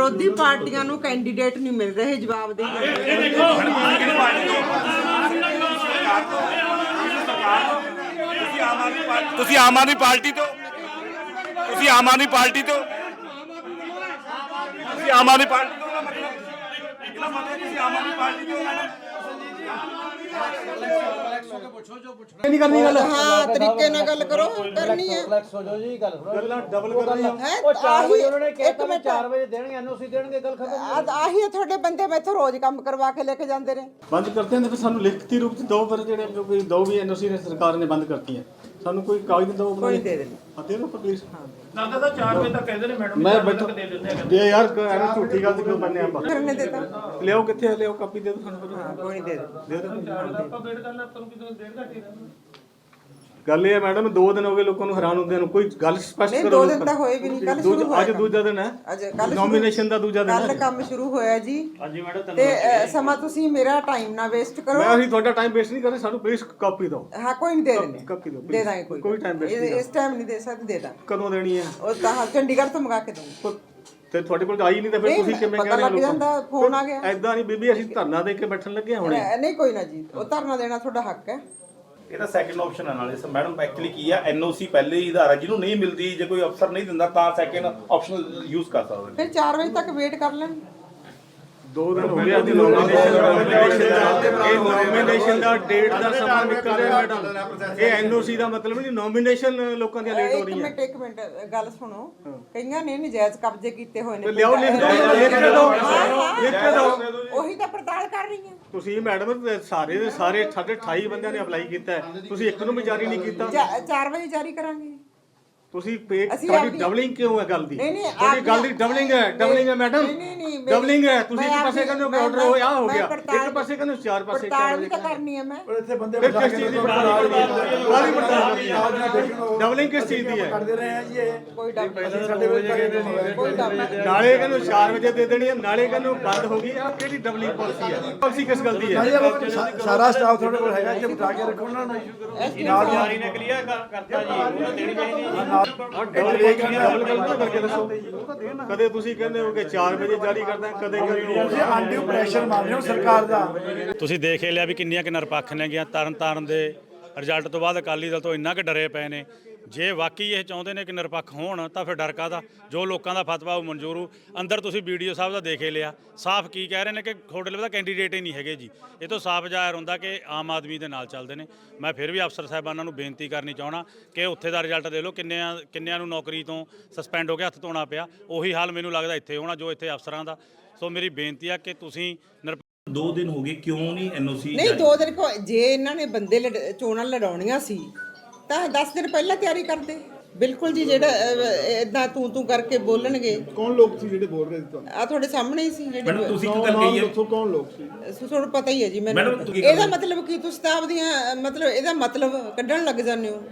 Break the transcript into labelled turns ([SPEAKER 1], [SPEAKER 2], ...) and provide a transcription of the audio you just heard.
[SPEAKER 1] ਵਿਰੋਧੀ ਪਾਰਟੀਆਂ ਨੂੰ ਕੈਂਡੀਡੇਟ ਨਹੀਂ ਮਿਲ ਰਹੇ ਜਵਾਬ ਦੇ
[SPEAKER 2] ਤੁਸੀਂ ਆਮ ਆਦਮੀ ਪਾਰਟੀ ਤੋਂ ਤੁਸੀਂ ਆਮ ਆਦਮੀ ਪਾਰਟੀ ਤੋਂ ਤੁਸੀਂ ਆਮ ਆਦਮੀ ਪਾਰਟੀ ਤੋਂ ਇਹਦਾ ਮਤਲਬ ਤੁਸੀਂ ਆਮ ਆਦਮੀ ਪਾਰਟੀ ਤੋਂ
[SPEAKER 3] नहीं करनी गल
[SPEAKER 1] हाँ तरीके ना गल करो करनी है
[SPEAKER 3] रिलैक्स हो जाओ जी गल
[SPEAKER 1] है
[SPEAKER 3] ਉਹ 4 ਵਜੇ ਉਹਨਾਂ ਨੇ ਕਿਹਾ ਵੀ 4 ਵਜੇ ਦੇਣਗੇ ਐਨਓਸੀ ਦੇਣਗੇ ਗੱਲ ਖਤਮ
[SPEAKER 1] ਆਹੀ ਹੈ ਤੁਹਾਡੇ ਬੰਦੇ ਮੈਥੋਂ ਰੋਜ਼ ਕੰਮ ਕਰਵਾ ਕੇ ਲੈ ਕੇ ਜਾਂਦੇ ਨੇ
[SPEAKER 4] ਬੰਦ ਕਰਤੇ ਨੇ ਫਿਰ ਸਾਨੂੰ ਲਿਖਤੀ ਰੂਪ ਚ ਦੋ ਪਰ ਜਿਹੜੇ ਜੋ ਕੋਈ ਦੋ ਵੀ ਐਨਓਸੀ ਨੇ ਸਰਕਾਰ ਨੇ ਬੰਦ ਕਰਤੀ ਹੈ ਸਾਨੂੰ ਕੋਈ ਕਾਗਜ਼ ਦੋ
[SPEAKER 1] ਕੋਈ ਦੇ ਦੇਣੀ
[SPEAKER 4] ਦੇ ਦੋ ਪਲੀਜ਼
[SPEAKER 5] ਲੱਗਦਾ ਤਾਂ 4 ਵਜੇ ਤੱਕ ਕਹਿੰਦੇ ਨੇ ਮੈਡਮ
[SPEAKER 4] ਮੈਂ ਬੈਠੋ ਦੇ ਯਾਰ ਐਵੇਂ ਝੂਠੀ ਗੱਲ ਕਿਉਂ ਬੰਨੇ ਆਪਾਂ
[SPEAKER 1] ਕਰਨੇ ਦੇਤਾ
[SPEAKER 4] ਲਿਆਓ ਕਿੱਥੇ ਲਿਆਓ ਕਾਪੀ ਦੇ ਦੋ ਸਾਨੂੰ
[SPEAKER 1] ਕੋਈ ਨਹੀਂ ਦੇ
[SPEAKER 4] ਦੇ ਦੋ
[SPEAKER 5] ਆਪਾਂ ਵੇਟ ਕਰਨਾ ਆਪਾਂ ਨੂੰ ਕਿਦੋਂ ਡੇਢ ਘੰਟੇ ਰਹਿਣਾ
[SPEAKER 4] ਗੱਲ ਇਹ ਹੈ ਮੈਡਮ 2 ਦਿਨ ਹੋ ਗਏ ਲੋਕਾਂ ਨੂੰ ਹੈਰਾਨ ਹੁੰਦੇ ਨੂੰ ਕੋਈ ਗੱਲ ਸਪਸ਼ਟ
[SPEAKER 1] ਨਹੀਂ
[SPEAKER 4] ਕਰੋ
[SPEAKER 1] 2 ਦਿਨ ਤਾਂ ਹੋਏ ਵੀ ਨਹੀਂ ਕੱਲ ਸ਼ੁਰੂ ਹੋਇਆ
[SPEAKER 4] ਅੱਜ ਦੂਜਾ ਦਿਨ ਹੈ
[SPEAKER 1] ਅੱਜ ਕੱਲ
[SPEAKER 4] ਨੋਮੀਨੇਸ਼ਨ ਦਾ ਦੂਜਾ ਦਿਨ
[SPEAKER 1] ਕੱਲ
[SPEAKER 4] ਹੈ
[SPEAKER 1] ਕੰਮ ਸ਼ੁਰੂ ਹੋਇਆ ਜੀ
[SPEAKER 5] ਹਾਂਜੀ ਮੈਡਮ
[SPEAKER 1] ਤੇ ਸਮਾਂ ਤੁਸੀਂ ਮੇਰਾ ਟਾਈਮ ਨਾ ਵੇਸਟ ਕਰੋ
[SPEAKER 4] ਮੈਂ ਅਸੀਂ ਤੁਹਾਡਾ ਟਾਈਮ ਵੇਸਟ ਨਹੀਂ ਕਰ ਰਹੇ ਸਾਨੂੰ ਪਲੀਜ਼ ਕਾਪੀ ਦਿਓ
[SPEAKER 1] ਹਾਂ ਕੋਈ ਨਹੀਂ ਦੇ ਦਿੰਦੇ
[SPEAKER 4] ਕਾਪੀ ਦਿਓ
[SPEAKER 1] ਦੇ ਦਾਂਗੇ
[SPEAKER 4] ਕੋਈ ਟਾਈਮ ਵੇਸਟ ਨਹੀਂ
[SPEAKER 1] ਇਸ ਟਾਈਮ ਨਹੀਂ ਦੇ ਸਕਦੇ ਦੇ ਦਾਂ
[SPEAKER 4] ਕਦੋਂ ਦੇਣੀ ਹੈ
[SPEAKER 1] ਉਹ ਤਾਂ ਚੰਡੀਗੜ੍ਹ ਤੋਂ ਮੰਗਾ ਕੇ ਦੂੰਗੀ
[SPEAKER 4] ਤੇ ਤੁਹਾਡੇ ਕੋਲ ਆਈ ਨਹੀਂ ਤਾਂ ਫਿਰ ਤੁਸੀਂ ਕਿਵੇਂ
[SPEAKER 1] ਪਤਾ ਲੱਗ ਜਾਂਦਾ ਫੋਨ ਆ ਗਿਆ
[SPEAKER 4] ਐਦਾਂ ਨਹੀਂ ਬੀਬੀ ਅਸੀਂ ਧਰਨਾ ਦੇ ਕੇ ਬੈਠਣ ਲੱਗੇ ਹੁਣੇ
[SPEAKER 1] ਨਹੀਂ ਕੋਈ ਨਾ ਜੀ ਉਹ ਧਰਨਾ ਦੇਣਾ ਤੁਹਾਡਾ ਹੱਕ ਹੈ
[SPEAKER 2] ਇਹਦਾ ਸੈਕੰਡ ਆਪਸ਼ਨ ਹੈ ਨਾਲੇ ਮੈਡਮ ਐਕਚੁਅਲੀ ਕੀ ਆ ਐਨਓਸੀ ਪਹਿਲੇ ਹੀ ਆਧਾਰ ਹੈ ਜਿਹਨੂੰ ਨਹੀਂ ਮਿਲਦੀ ਜੇ ਕੋਈ ਅਫਸਰ ਨਹੀਂ ਦਿੰਦਾ ਤਾਂ ਸੈਕੰਡ ਆਪਸ਼ਨ ਯੂਜ਼ ਕਰ ਸਕਦੇ ਨੇ
[SPEAKER 1] ਫਿਰ 4 ਵਜੇ ਤੱਕ ਵੇਟ ਕਰ ਲੈਣ
[SPEAKER 4] 2 ਦਿਨ ਹੋ ਗਏ ਅੱਜ ਨੋਮੀਨੇਸ਼ਨ ਦਾ ਡੇਟ ਦਾ ਸਮਾਂ ਨਿਕਲ ਰਿਹਾ ਮੈਡਮ ਇਹ ਐਨਓਸੀ ਦਾ ਮਤਲਬ ਨਹੀਂ ਨੋਮੀਨੇਸ਼ਨ ਲੋਕਾਂ ਦੀਆਂ ਲੇਟ ਹੋ ਰਹੀਆਂ
[SPEAKER 1] ਇੱਕ ਮਿੰਟ ਗੱਲ ਸੁਣੋ ਕਈਆਂ ਨੇ ਨਜਾਇਜ਼ ਕਬਜ਼ੇ ਕੀਤੇ ਹੋਏ ਨੇ
[SPEAKER 4] ਲਿਆਓ ਲਿਖ ਕੇ ਦਿਓ
[SPEAKER 1] ਉਹੀ ਤਾਂ ਪੜਤਾਲ ਕਰ ਰਹੀ ਹਾਂ
[SPEAKER 4] ਤੁਸੀਂ ਮੈਡਮ ਸਾਰੇ ਦੇ ਸਾਰੇ ਸਾਡੇ 28 ਬੰਦਿਆਂ ਨੇ ਅਪਲਾਈ ਕੀਤਾ ਹੈ ਤੁਸੀਂ ਇੱਕ ਨੂੰ ਵੀ ਜਾਰੀ ਨਹੀਂ ਕੀਤਾ
[SPEAKER 1] 4 ਵਜੇ ਜਾਰੀ ਕਰਾਂਗੇ
[SPEAKER 4] ਤੁਸੀਂ ਤੁਹਾਡੀ ਡਬਲਿੰਗ ਕਿਉਂ ਹੈ ਗੱਲ ਦੀ ਤੁਹਾਡੀ ਗੱਲ ਦੀ ਡਬਲਿੰਗ ਹੈ ਮੈਡਮ
[SPEAKER 1] ਨਹੀਂ
[SPEAKER 4] ਡਬਲਿੰਗ ਹੈ ਤੁਸੀਂ ਇੱਕ ਪਾਸੇ ਕਹਿੰਦੇ ਹੋ ਆਰਡਰ ਹੋ ਆ ਹੋ ਗਿਆ ਇੱਕ ਪਾਸੇ ਕਹਿੰਦੇ ਚਾਰ ਪਾਸੇ
[SPEAKER 1] ਪੜਤਾਲ ਤਾਂ ਕਰਨੀ ਹੈ ਮੈਂ
[SPEAKER 3] ਇੱਥੇ ਬੰਦੇ
[SPEAKER 4] ਫਿਰ ਕਿਸ ਚੀਜ਼ ਦੀ ਡਬਲਿੰਗ ਕਿਸ ਚੀਜ਼ ਦੀ ਹੈ
[SPEAKER 3] ਕਰਦੇ ਰਹੇ ਆ ਜੀ ਇਹ
[SPEAKER 1] ਕੋਈ ਡਰ
[SPEAKER 3] ਸਾਡੇ ਵਿੱਚ
[SPEAKER 1] ਕੋਈ ਡਰ ਨਹੀਂ
[SPEAKER 4] ਨਾਲੇ ਕਹਿੰਦੇ 4 ਵਜੇ ਦੇ ਦੇਣੀ ਹੈ ਨਾਲੇ ਕਹਿੰਦੇ ਬੰਦ ਹੋ ਗਈ ਆ ਕਿਹੜੀ ਡਬਲਿੰਗ ਪਾਲਿਸੀ ਹੈ ਪਾਲਿਸੀ ਕਿਸ ਗੱਲ ਦੀ ਹੈ
[SPEAKER 3] ਸਾਰਾ ਸਟਾਫ ਤੁਹਾਡੇ ਕੋਲ ਹੈਗਾ ਜੇ ਬਿਠਾ ਕੇ ਰੱਖੋ ਉਹਨਾਂ ਨੂੰ ਨਾਲ
[SPEAKER 5] ਜਾਰੀ ਨੇ ਕਲੀਅਰ ਕਰਤਾ ਜੀ ਉਹਨਾਂ ਦੇਣੀ ਚਾਹੀਦੀ
[SPEAKER 4] ਕਦੇ ਤੁਸੀਂ ਕਹਿੰਦੇ ਹੋ ਕਿ 4 ਵਜੇ ਜਾਰੀ ਕਰਦਾ ਕਦੇ
[SPEAKER 3] ਤੁਸੀਂ ਆਂਟੀ ਪ੍ਰੈਸ਼ਰ ਮਾਰ ਰਹੇ ਹੋ ਸਰਕਾਰ ਦਾ
[SPEAKER 6] ਤੁਸੀਂ ਦੇਖ ਲਿਆ ਵੀ ਕਿੰਨੀਆਂ ਕਿ ਨਿਰਪੱਖ ਨੇ ਗਿਆ ਤਰਨ ਦੇ ਰਿਜ਼ਲਟ ਤੋਂ ਬਾਅਦ ਅਕਾਲੀ ਦਲ ਤੋਂ ਇੰਨਾ ਕਿ ਡਰੇ ਪਏ ਨੇ ਜੇ ਵਾਕਈ ਇਹ ਚਾਹੁੰਦੇ ਨੇ ਕਿ ਨਿਰਪੱਖ ਹੋਣ ਤਾਂ ਫਿਰ ਡਰ ਕਾਹਦਾ ਜੋ ਲੋਕਾਂ ਦਾ ਫਤਵਾ ਉਹ ਮਨਜ਼ੂਰ ਹੋ ਅੰਦਰ ਤੁਸੀਂ ਵੀਡੀਓ ਸਾਹਿਬ ਦਾ ਦੇਖੇ ਲਿਆ ਸਾਫ਼ ਕੀ ਕਹਿ ਰਹੇ ਨੇ ਕਿ ਤੁਹਾਡੇ ਲਈ ਤਾਂ ਕੈਂਡੀਡੇਟ ਹੀ ਨਹੀਂ ਹੈਗੇ ਜੀ ਇਹ ਤੋਂ ਸਾਫ਼ ਜ਼ਾਹਿਰ ਹੁੰਦਾ ਕਿ ਆਮ ਆਦਮੀ ਦੇ ਨਾਲ ਚੱਲਦੇ ਨੇ ਮੈਂ ਫਿਰ ਵੀ ਅਫਸਰ ਸਾਹਿਬਾਨਾਂ ਨੂੰ ਬੇਨਤੀ ਕਰਨੀ ਚਾਹਣਾ ਕਿ ਉੱਥੇ ਦਾ ਰਿਜ਼ਲਟ ਦੇ ਲਓ ਕਿੰਨਿਆਂ ਨੂੰ ਨੌਕਰੀ ਤੋਂ ਸਸਪੈਂਡ ਹੋ ਕੇ ਹੱਥ ਧੋਣਾ ਪਿਆ ਉਹੀ ਹਾਲ ਮੈਨੂੰ ਲੱਗਦਾ ਇੱਥੇ ਹੋਣਾ ਜੋ ਇੱਥੇ ਅਫਸਰਾਂ ਦਾ ਸੋ ਮੇਰੀ ਬੇਨਤੀ ਆ ਕਿ ਤੁਸੀਂ
[SPEAKER 2] 2 ਦਿਨ ਹੋ ਗਏ ਕਿਉਂ ਨਹੀਂ ਐਨਓਸੀ
[SPEAKER 1] ਨਹੀਂ 2 ਦਿਨ ਜੇ ਇਹਨਾਂ ਨੇ ਬੰਦੇ ਚੋਣਾਂ ਲੜਾਉਣੀਆਂ ਸੀ ਤਾਂ 10 ਦਿਨ ਪਹਿਲਾਂ ਤਿਆਰੀ ਕਰਦੇ ਬਿਲਕੁਲ ਜੀ ਜਿਹੜਾ ਇਦਾਂ ਤੂੰ ਕਰਕੇ ਬੋਲਣਗੇ
[SPEAKER 3] ਕੌਣ ਲੋਕ ਸੀ ਜਿਹੜੇ ਬੋਲ ਰਹੇ ਸੀ ਤੁਹਾਨੂੰ
[SPEAKER 1] ਆ ਤੁਹਾਡੇ ਸਾਹਮਣੇ ਹੀ ਸੀ ਜਿਹੜੇ
[SPEAKER 2] ਮੈਡਮ ਤੁਸੀਂ ਕੀ ਗੱਲ ਕਹੀ ਹੈ
[SPEAKER 3] ਦੱਸੋ ਕੌਣ ਲੋਕ ਸੀ
[SPEAKER 1] ਤੁਹਾਨੂੰ ਪਤਾ ਹੀ ਹੈ ਜੀ ਮੈਨੂੰ
[SPEAKER 2] ਮੈਡਮ, ਤੁਸੀਂ
[SPEAKER 1] ਇਹਦਾ ਮਤਲਬ ਕੀ ਤੁਸੀਂ ਤਾਂ ਆਪਦੀਆਂ ਮਤਲਬ ਇਹਦਾ ਮਤਲਬ ਕੱਢਣ ਲੱਗ ਜਾਂਦੇ ਹੋ